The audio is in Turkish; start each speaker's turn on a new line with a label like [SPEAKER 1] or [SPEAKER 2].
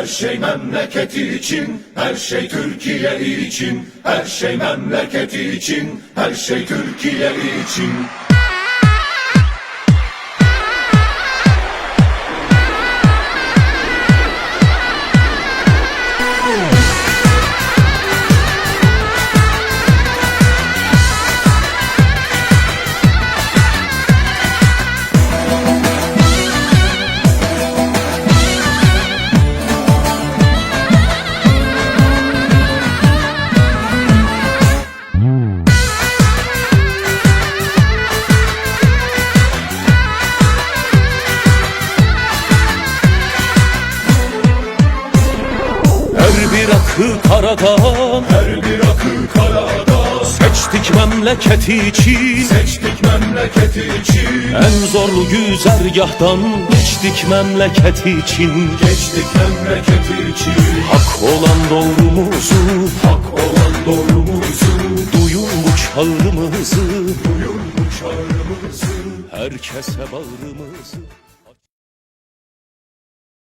[SPEAKER 1] Her şey memleketi için, her şey Türkiye için. Her şey memleketi için, her şey Türkiye için.
[SPEAKER 2] Bir akı karadan,
[SPEAKER 1] her bir akı karada.
[SPEAKER 2] seçtik memleketi için,
[SPEAKER 1] Seçtik memleketi için.
[SPEAKER 2] en zorlu güzergahtan geçtik memleketi için.
[SPEAKER 1] Geçtik memleketi için.
[SPEAKER 2] Hak olan doğrumuzu,
[SPEAKER 1] Hak olan doğrumuzu.
[SPEAKER 2] duyun bu çağrımızı,
[SPEAKER 1] Duyun bu çağrımızı.
[SPEAKER 2] herkese bağrımızı.